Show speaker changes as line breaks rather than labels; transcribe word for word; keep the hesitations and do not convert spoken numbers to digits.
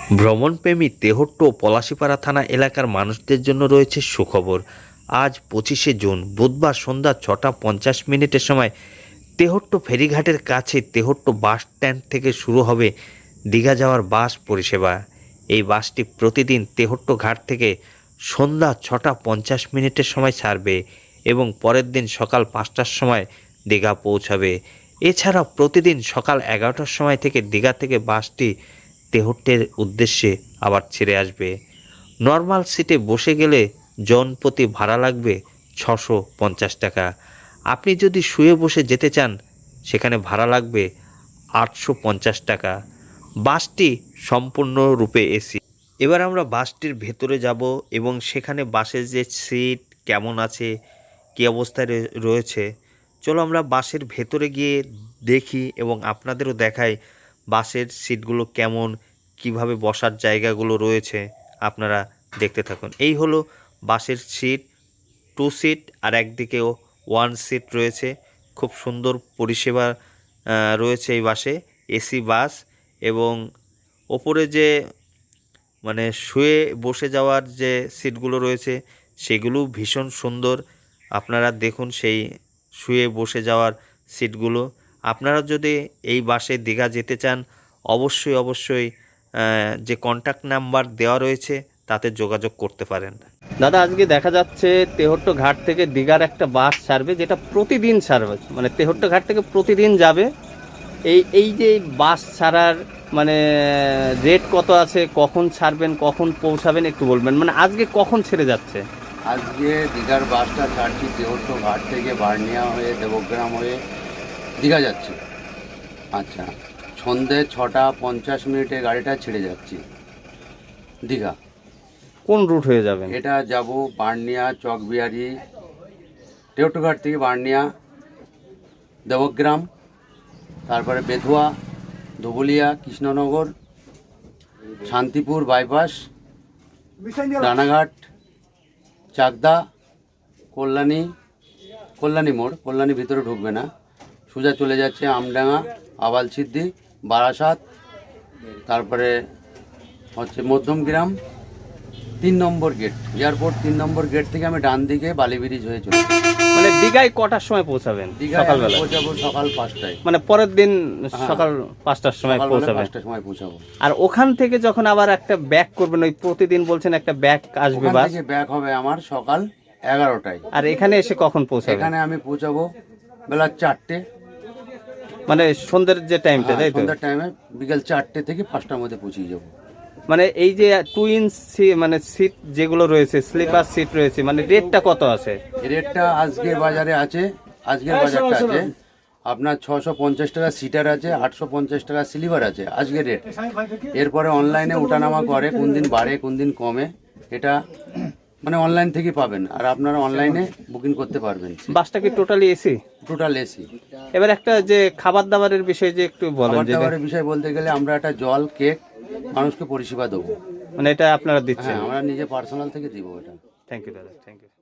ভ্রমণপ্রেমী তেহট্ট ও পলাশীপাড়া থানা এলাকার মানুষদের জন্য রয়েছে সুখবর। আজ পঁচিশে জুন বুধবার সন্ধ্যা ছটা পঞ্চাশ মিনিটের সময় তেহট্ট ফেরিঘাটের কাছে তেহট্ট বাস স্ট্যান্ড থেকে শুরু হবে দীঘা যাওয়ার বাস পরিষেবা। এই বাসটি প্রতিদিন তেহট্ট ঘাট থেকে সন্ধ্যা ছটা পঞ্চাশ মিনিটের সময় ছাড়বে এবং পরের দিন সকাল পাঁচটার সময় দীঘা পৌঁছাবে। এছাড়া প্রতিদিন সকাল এগারোটার সময় থেকে দীঘা থেকে বাসটি তেহট্টের উদ্দেশ্যে আবার ছেড়ে আসবে। নর্মাল সিটে বসে গেলে জনপ্রতি ভাড়া লাগবে ছশো পঞ্চাশ টাকা। আপনি যদি শুয়ে বসে যেতে চান সেখানে ভাড়া লাগবে আটশো পঞ্চাশ টাকা। বাসটি সম্পূর্ণরূপে এসি। এবার আমরা বাসটির ভেতরে যাব এবং সেখানে বাসের যে সিট কেমন আছে, কী অবস্থায় রয়েছে, চলো আমরা বাসের ভেতরে গিয়ে দেখি এবং আপনাদেরও দেখাই বাসের সিটগুলো কেমন, কিভাবে বসার জায়গাগুলো রয়েছে। আপনারা দেখতে থাকুন। এই হলো বাসের সিট, টু সিট আর একদিকেও ওয়ান সিট রয়েছে। খুব সুন্দর পরিষেবা রয়েছে এই বাসে, এসি বাস। এবং ওপরে যে মানে শুয়ে বসে যাওয়ার যে সিটগুলো রয়েছে সেগুলো ভীষণ সুন্দর। আপনারা দেখুন সেই শুয়ে বসে যাওয়ার সিটগুলো। আপনারা যদি এই বাসে দীঘা যেতে চান অবশ্যই অবশ্যই যে কন্ট্যাক্ট নাম্বার দেওয়া রয়েছে তাতে যোগাযোগ করতে পারেন। দাদা, আজকে দেখা যাচ্ছে তেহট্ট ঘাট থেকে দীঘার একটা বাস ছাড়বে, যেটা প্রতিদিন ছাড়বে, মানে তেহট্ট ঘাট থেকে প্রতিদিন যাবে। এই এই যে বাস ছাড়ার মানে রেট কত আছে, কখন ছাড়বেন, কখন পৌঁছাবেন একটু বলবেন। মানে আজকে কখন ছেড়ে যাচ্ছে?
আজকে দীঘার বাসটা ছাড়ছি তেহট্ট ঘাট থেকে বার্নিয়া হয়ে দেবগ্রাম হয়ে দীঘা যাচ্ছি। আচ্ছা, সন্ধে ছটা পঞ্চাশ মিনিটে গাড়িটা ছেড়ে যাচ্ছি দীঘা।
কোন রুট হয়ে যাবেন?
এটা যাব বার্নিয়া, চকবিহারি, তেহট্ট ঘাট থেকে বার্নিয়া, দেবগ্রাম, তারপরে বেথুয়া, ধুবুলিয়া, কৃষ্ণনগর, শান্তিপুর বাইপাস, রানাঘাট, চাকদা, কল্যাণী, কল্যাণী মোড়, কল্যাণী ভিতরে ঢুকবে না, সোজা চলে যাচ্ছে আমডাঙ্গা, আবালসিদ্ধি, বারাসাত, তারপরে হচ্ছে মধ্যমগ্রাম, তিন নম্বর গেট, এয়ারপোর্ট তিন নম্বর গেট থেকে আমি ডান দিকে বালি ব্রিজ হয়ে চলে।
মানে দীঘায় কটার সময় পৌঁছাবেন?
সকালবেলা পৌঁছাবো সকাল পাঁচটায়।
মানে পরের দিন সকাল পাঁচটার সময় পৌঁছাবেন?
পাঁচটার সময় পৌঁছাবো।
আর ওখান থেকে যখন আবার একটা ব্যাক করবেন, ওই প্রতিদিন বলছেন একটা ব্যাক আসবে বাস,
ব্যাক হবে আমার সকাল এগারোটায়।
আর এখানে এসে কখন পৌঁছাবেন?
এখানে আমি পৌঁছাবো বেলা চারটে,
মানে সন্ধ্যের যে টাইমটা, তাই তো?
সন্ধ্যার টাইমে বিকেল চারটে থেকে পাঁচটার মধ্যে পৌঁছে যাবো।
মানে এই যে টুইন মানে সিট যেগুলো রয়েছে, স্লিপার সিট রয়েছে, মানে রেটটা কত আছে?
রেটটা আজকের বাজারে আছে, আজকের বাজারটা আছে আপনার ছশো পঞ্চাশ টাকা সিটার আছে, আটশো পঞ্চাশ টাকা স্লিপার আছে আজকের রেট। এরপরে অনলাইনে ওঠানামা করে, কোন দিন বাড়ে কোন দিন কমে, এটা মানে অনলাইন থেকে পাবেন আর আপনারা অনলাইনে বুকিং করতে পারবেন।
বাসটা কি টোটালি এসি?
Total AC.
এবার একটা যে খাবার দাবারের বিষয়ে যে একটু বলেন।
খাবার দাবারের বিষয় বলতে গেলে আমরা একটা জল, কেক মানুষকে পরিষেবা দেবো।
মানে এটা আপনারা দিচ্ছেন?
হ্যাঁ, আমরা নিজে পার্সোনাল থেকে দিব এটা।
থ্যাংক ইউ দাদা, থ্যাংক ইউ।